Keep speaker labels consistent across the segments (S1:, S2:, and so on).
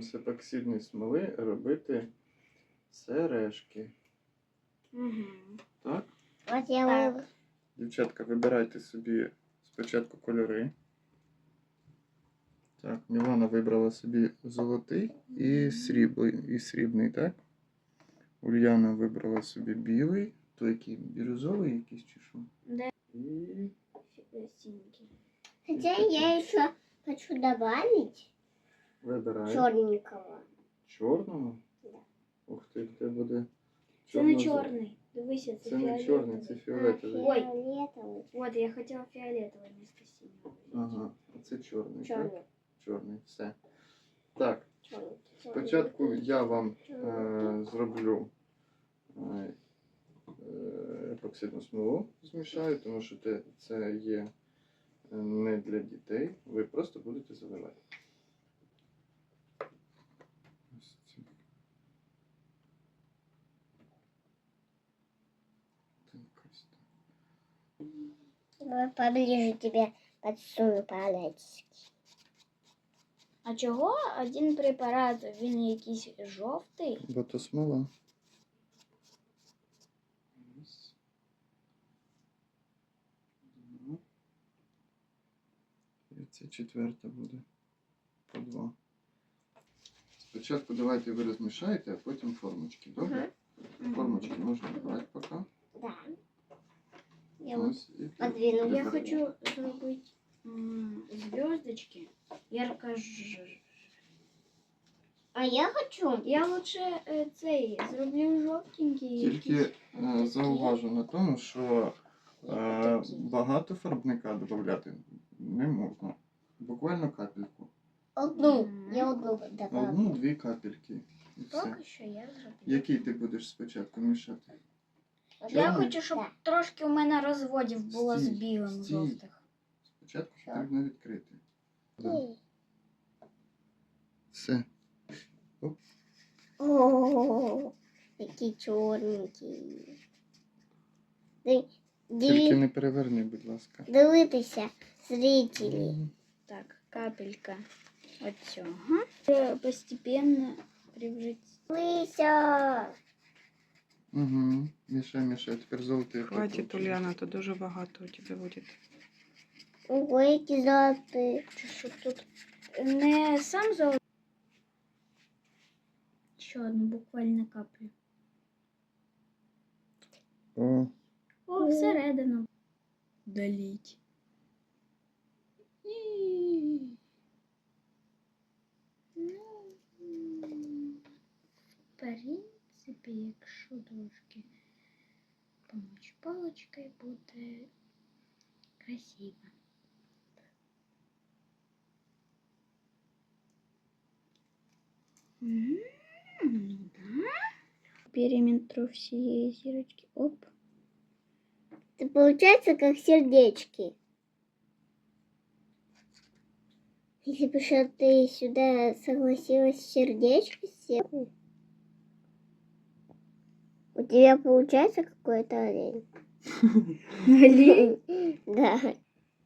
S1: будемо з епоксидної смоли робити сережки.
S2: Угу.
S1: Так?
S3: От я
S2: Так.
S1: Дівчатка, вибирайте собі спочатку кольори. Так, Мілана вибрала собі золотий і срібний, так? Ульяна вибрала собі білий, то який бірюзовий якийсь чи що?
S2: Да.
S1: І
S2: Синенький.
S3: Хотя я еще хочу добавить
S1: вибирай
S3: черненького.
S1: чорного.
S3: Да.
S1: Ух ти, це буде
S2: Це не
S1: чорно-
S2: чорний. Дивися,
S1: Це не чорний, це фіолетовий.
S2: Ой.
S3: Фиолетовый.
S2: От, я хотіла фіолетовий вместо синього.
S1: Ага, а це чорний, так?
S3: Черный.
S1: Чорний, все. Так,
S3: Черный.
S1: спочатку я вам зроблю епоксидну смолу, змішаю, тому що це є не для дітей. Ви просто будете заливати. Ось це. Так, ось так.
S3: Давай поближе тебе подсуну палец.
S2: А чого один препарат, він якийсь жовтий?
S1: Бо то смола. Раз. Два. І це четверта буде. По два. Спочатку давайте ви розмішаєте, а потім формочки. Добре? Формочки можна брати поки.
S3: Да. Я вот
S1: Ось, і
S3: подвину.
S2: Я
S1: приберемо.
S2: хочу зробити зв'язочки.
S3: А я хочу.
S2: Я лучше цей зроблю жовтенький.
S1: Тільки
S2: якийсь.
S1: зауважу на тому, що багато фарбника додати не можна. Буквально капельку.
S3: Одну. Я одну добавлю.
S1: Одну-дві капельки. І все.
S2: Поки що я зроблю.
S1: Який ти будеш спочатку мішати?
S2: Я
S1: Чорний?
S2: хочу, щоб
S3: Да.
S2: трошки у мене розводів було з
S1: Стій,
S2: білим
S1: стій.
S2: жовтих.
S1: Спочатку
S3: Що?
S1: потрібно відкрити. Да.
S3: Ей.
S1: Все.
S3: О, який чорненький.
S1: Тільки не переверни, будь ласка.
S3: Дивитися, зрителі.
S2: Так, капелька от цього. Постепенно превратить.
S3: Дивися.
S1: Угу. Мішай, мішай. Тепер золотий.
S4: Хватит, Ульяна, то дуже багато у тебе буде.
S3: Ого, які золоті.
S2: Що тут не сам золотий. Ще одну буквально каплю.
S1: О,
S2: О, всередину. Доліть. Ну, в принципі, якщо трошки помочь паличкою, буде красиво. Ну да. Периметру всей зирочки. Оп.
S3: Это получается как сердечки. Если бы что ты сюда согласилась сердечко сделать, у тебя получается какой-то олень.
S2: Олень?
S3: Да.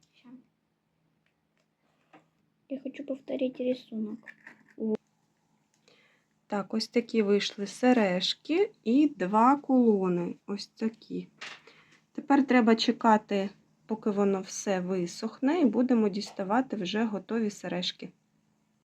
S2: Я хочу повторить рисунок.
S4: Так, ось такі вийшли сережки і 2 кулони. Ось такі. Тепер треба чекати, поки воно все висохне, і будемо діставати вже готові сережки.